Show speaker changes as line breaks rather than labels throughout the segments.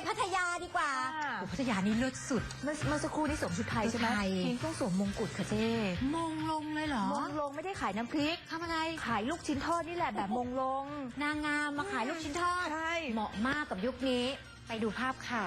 พัทยาดีกว่าพัทยานี่เลิศสุด
เมื่อสักครู่นี้สวมชุดไทยใช่ไหมพิงต้องสวมมงกุฎค่ะเจ๊
มงลงเลยเหรอ
มงลงไม่ได้ขายน้ำพริก
ทำอะไร
ขายลูกชิ้นทอดนี่แหละแบบมงลง
นางงามมาขายลูกชิ้นทอด
ใช่
เหมาะมากกับยุคนี้ไปดูภาพค่ะ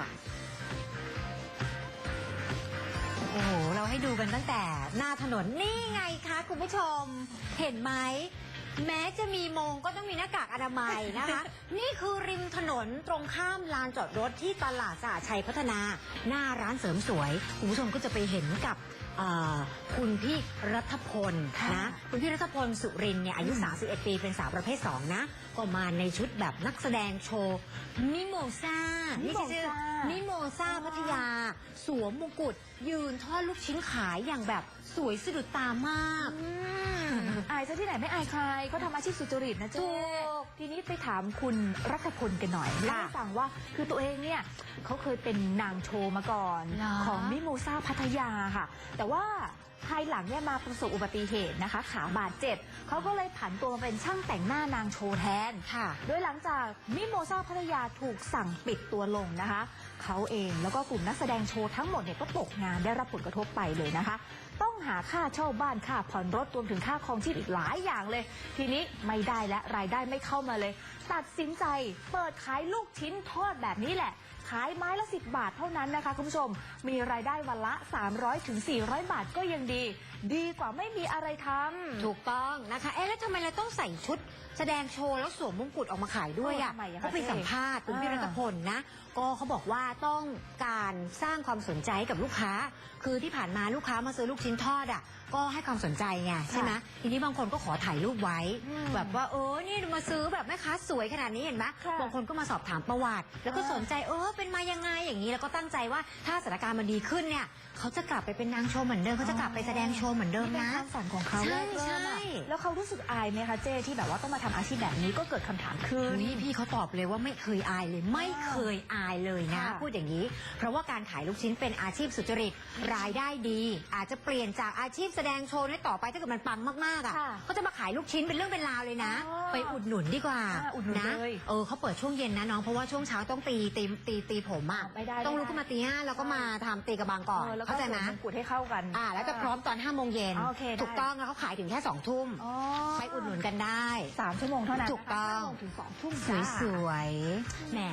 โอ้โหเราให้ดูกันตั้งแต่หน้าถนนนี่ไงคะคุณผู้ชมเห็นไหมแม้จะมีมงก็ต้องมีหน้ากากอนามัยนะคะ นี่คือริมถนนตรงข้ามลานจอดรถที่ตลาดสหชัยพัฒนาหน้าร้านเสริมสวยคุณผู้ชมก็จะไปเห็นกับคุณพี่รัฐพลนะคุณพี่รัฐพลสุรินเนี่ยอายุ31ปีเป็นสาวประเภท2นะก็มาในชุดแบบนักแสดงโชว์มิโมซ่านี่ชื่อมิโมซ่าพัทยาสวมมงกุฎยืนทอดลูกชิ้นขายอย่างแบบสวยสะดุดตามาก
อายซะที่ไหนไม่อายใครเขาทำอาชีพสุจริตนะเจ๊ทีนี้ไปถามคุณรัฐพลกันหน่อยเล่าให้ฟังว่าคือตัวเองเนี่ยเขาเคยเป็นนางโชว์มาก่อนของมิโมซ่าพัทยาค่ะแต่ว่าภายหลังเนี่ยมาประสบอุบัติเหตุนะคะขาบาดเจ็บเขาก็เลยผันตัวมาเป็นช่างแต่งหน้านางโชว์แทนค่ะโดยหลังจากมิโมซ่าพัทยาถูกสั่งปิดตัวลงนะคะเขาเองแล้วก็กลุ่มนักแสดงโชว์ทั้งหมดเนี่ยก็ตกงานได้รับผลกระทบไปเลยนะคะต้องหาค่าเช่าบ้านค่าผ่อนรถรวมถึงค่าครองชีพอีกหลายอย่างเลยทีนี้ไม่ได้และรายได้ไม่เข้ามาเลยตัดสินใจเปิดขายลูกชิ้นทอดแบบนี้แหละขายไม้ละ10 บาทเท่านั้นนะคะคุณผู้ชมมีรายได้วันละ300 ถึง 400 บาทก็ยังดีกว่าไม่มีอะไรทำ
ถูกต้องนะคะแล้วทำไมเราต้องใส่ชุดแสดงโชว์แล้วสวมมงกุฎออกมาขายด้วยอ่ะเขาไปสัมภาษณ์คุณพี่รัตพลนะก็เขาบอกว่าต้องการสร้างความสนใจให้กับลูกค้าคือที่ผ่านมาลูกค้ามาซื้อลูกชิ้นทอดอ่ะก็ให้ความสนใจไงใช่ไหมทีนี้บางคนก็ขอถ่ายรูปไว้แบบว่านี่มาซื้อแบบแม่ค้าสวยขนาดนี้เห็นไหมบางคนก็มาสอบถามประวัติแล้วก็สนใจเป็นมายังไงอย่างนี้แล้วก็ตั้งใจว่าถ้าสถานการณ์มันดีขึ้นเนี่ยเขาจะกลับไปเป็นนางโชว์เหมือนเดิมเขาจะกลับไปแสดงโชว์เหมือนเดิมนะ
ความฝันของเขาใช่แล้วเขารู้สึกอายไหมคะเจ้ที่แบบว่าต้องมาทำอาชีพแบบนี้ก็เกิดคำถามขึ้น
นี่พี่เขาตอบเลยว่าไม่เคยอายเลยไม่เคยอายเลยนะพูดอย่างนี้เพราะว่าการขายลูกชิ้นเป็นอาชีพสุจริตรายได้ดีอาจจะเปลี่ยนจากอาชีพแสดงโชว์ต่อไปถ้าเกิดมันปังมากๆอ่ะก็จะมาขายลูกชิ้นเป็นเรื่องเป็นราวเลยนะไปอุดหนุนดีกว่านะเขาเปิดช่วงเย็นนะน้องเพราะว่าช่วงเช้าต้องตีผมอ่ะต้องลุกขึ้นมาตี 5แล้วก็มาทำตีกระบังก่อนเข้าใจนะ
กุดให้เข้ากัน
แล้วจะพร้อมตอน5 โมงเย็นถูกต้องแล้วเขาขายถึงแค่2 ทุ่มไปอุดหนุนกันได้
3 ชั่วโมงเท่านั้น
ถูกต้อง
ถึง2 ทุ่ม
สวยๆแหม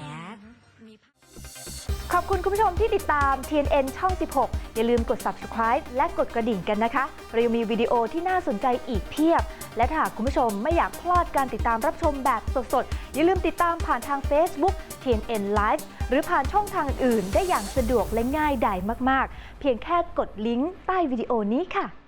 ขอบคุณคุณผู้ชมที่ติดตาม TNN ช่อง 16 อย่าลืมกด Subscribe และกดกระดิ่งกันนะคะเรายังมีวิดีโอที่น่าสนใจอีกเพียบและถ้าหากคุณผู้ชมไม่อยากพลาดการติดตามรับชมแบบสดๆอย่าลืมติดตามผ่านทาง Facebook TNN Live หรือผ่านช่องทางอื่นได้อย่างสะดวกและง่ายดายมากๆเพียงแค่กดลิงก์ใต้วิดีโอนี้ค่ะ